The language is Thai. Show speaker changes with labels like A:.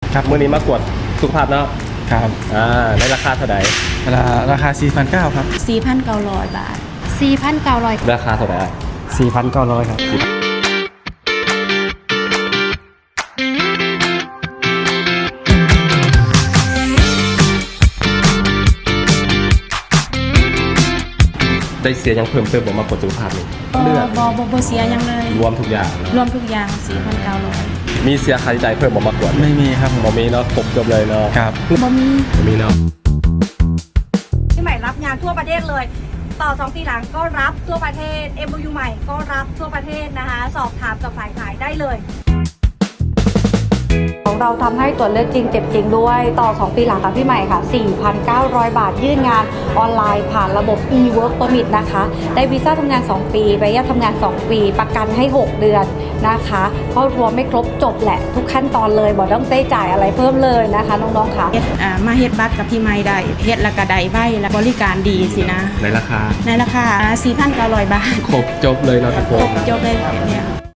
A: ครับ
B: มื้อนี้มากวดสุขภาพเนาะ
A: ครับ
B: ในราคาเท่าไหร่
A: ราคา 4,900 ครับ
C: 4,900 บาท 4,900
B: ราคาเท่าไหร่
A: 4,900 ครับ
B: ได้เสียยังเพิ่มเติมบ่มากดสุขภาพนี่เลือด
C: บ่เสียยังเลย
B: รวมทุกอย่างเนอะ
C: รวมทุกอย่าง 4,900
B: มีเสียค่าใช้จ่ายเพิ่มบ่มากด
A: ไม่มีครับผม
B: บ่มีเนาะครบจบเลยเนาะ
A: ครับ
C: บ่มี
B: บ่มีเนาะ
D: พี่ใหม่รับงานทั่วประเทศเลย ต่อ2 ปีหลังก็รับทั่วประเทศ MOU ใหม่ก็รับทั่วประเทศนะคะ สอบถามกับฝ่ายขายได้เลย
E: ของเราทำให้ตรวจเลือดจริงเจ็บจริงด้วยต่อ 2 ปีหลังค่ะพี่ใหม่ค่ะ 4,900 บาทยื่นงานออนไลน์ผ่านระบบ e-work permit นะคะได้วีซ่าทำงาน 2 ปีใบอนุญาตทำงาน 2 ปี ประกันให้ 6 เดือนนะคะเข้ารวมไม่ครบจบแหละทุกขั้นตอนเลยบอกต้องได้จ่ายอะไรเพิ่มเลยนะคะน้องๆค่ะ
C: มาเฮ็ดบัตรกับพี่ไม้ได้เฮ็ดแล้วก็ได้ใบและบริการดีสินะ
B: ในราคา
C: ในราคา 4,900 บาท
B: ครบจบเลยเนาะทุกค
C: คร
B: น
C: บจบเลยเนี่ย